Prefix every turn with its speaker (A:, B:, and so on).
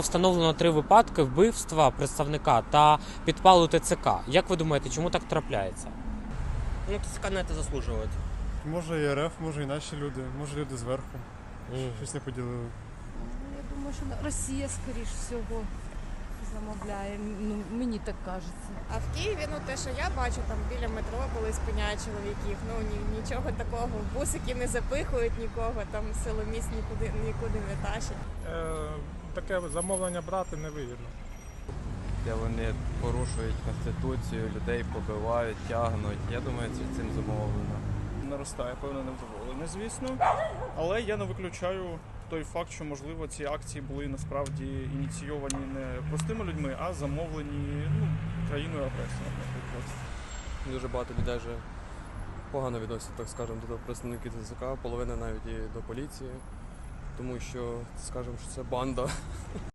A: Встановлено 3 випадки вбивства представника та підпалу ТЦК. Як ви думаєте, чому так трапляється?
B: Ну, ТЦК на это заслуживает.
C: Може і РФ, може і наші люди, може люди зверху. Щось не поділили.
D: Я думаю, що Росія, скоріш всього, замовляє. Ну, мені так кажеться.
E: А в Києві, те, що я бачу, там біля метро, коли спиняють чоловіків, нічого такого, бусики не запихують нікого, там силоміць нікуди не тащать.
F: Таке замовлення брати невигідно.
G: Де вони порушують Конституцію, людей побивають, тягнуть. Я думаю, це цим зумовлено.
H: Наростає певне невдоволення, звісно. Але я не виключаю той факт, що, можливо, ці акції були насправді ініційовані не простими людьми, а замовлені країною агресором, наприклад.
I: Дуже багато людей вже погано відносять, так скажемо, до представників ТЦК, половина навіть і до поліції, тому що, скажемо, що це банда.